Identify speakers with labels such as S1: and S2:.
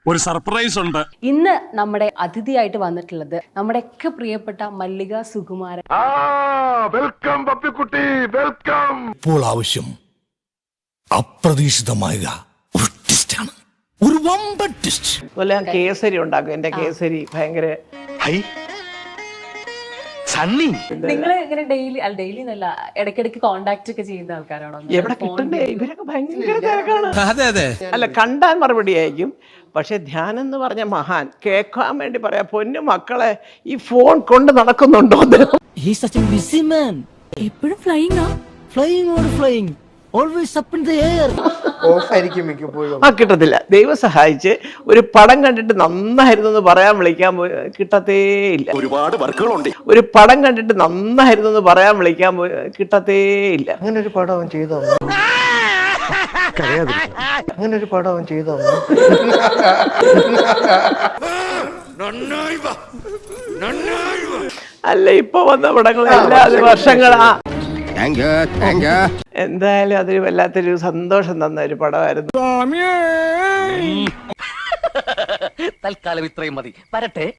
S1: ഒരു സർപ്രൈസ് ഉണ്ട്.
S2: ഇന്ന് നമ്മുടെ അതിഥിയായിട്ട് വന്നിട്ടുള്ളത് നമ്മുടെയൊക്കെ പ്രിയപ്പെട്ട മല്ലിക സുകുമാരൻ.
S3: Welcome Pappikutty, welcome.
S4: ഇപ്പോൾ ആവശ്യം അപ്രതീക്ഷിതമായ ഒരു ട്വിസ്റ്റാണ്, ഒരു വമ്പൻ ട്വിസ്റ്റ്.
S5: അതുപോലെ ഞാൻ കേസരി ഉണ്ടാക്കും. എന്റെ കേസരി ഭയങ്കര
S2: നിങ്ങൾ ഇങ്ങനെ ഡെയിലി എന്നല്ല ഇടയ്ക്കിടയ്ക്ക് കോണ്ടാക്ട് ഒക്കെ ചെയ്യുന്ന ആൾക്കാരാണോ?
S5: എവിടെ കിട്ടണ്ടേ? ഇവരൊക്കെ ഭയങ്കര തിരക്കാണ്. അല്ല, കണ്ടാൽ മറുപടി ആയിരിക്കും. പക്ഷെ ധ്യാനം എന്ന് പറഞ്ഞ മഹാൻ കേൾക്കാൻ വേണ്ടി പറയാ, പൊന്നു മക്കളെ ഈ ഫോൺ കൊണ്ട് നടക്കുന്നുണ്ടോ?
S6: He's such a busy man. എപ്പോഴും flying. Always up in the air.
S5: കിട്ടത്തില്ല. ദൈവം സഹായിച്ച് ഒരു പടം കണ്ടിട്ട് നന്നായിരുന്നു എന്ന് പറയാൻ വിളിക്കാൻ കിട്ടത്തേ ഇല്ല.
S3: ഒരുപാട് വർക്കുകളുണ്ട്.
S5: ഒരു പടം കണ്ടിട്ട് നന്നായിരുന്നു എന്ന് പറയാൻ വിളിക്കാൻ കിട്ടത്തേ ഇല്ല.
S7: അങ്ങനെ ഒരു പടം അവൻ ചെയ്തോ? അങ്ങനെ ഒരു പടം അവൻ ചെയ്തോ?
S5: അല്ല, ഇപ്പൊ വന്ന പടങ്ങളെല്ലാം വർഷങ്ങളാ. എന്തായാലും അതൊരു വല്ലാത്തൊരു സന്തോഷം തന്ന ഒരു പടമായിരുന്നു.
S6: തൽക്കാലം ഇത്രയും മതി. വരട്ടെ.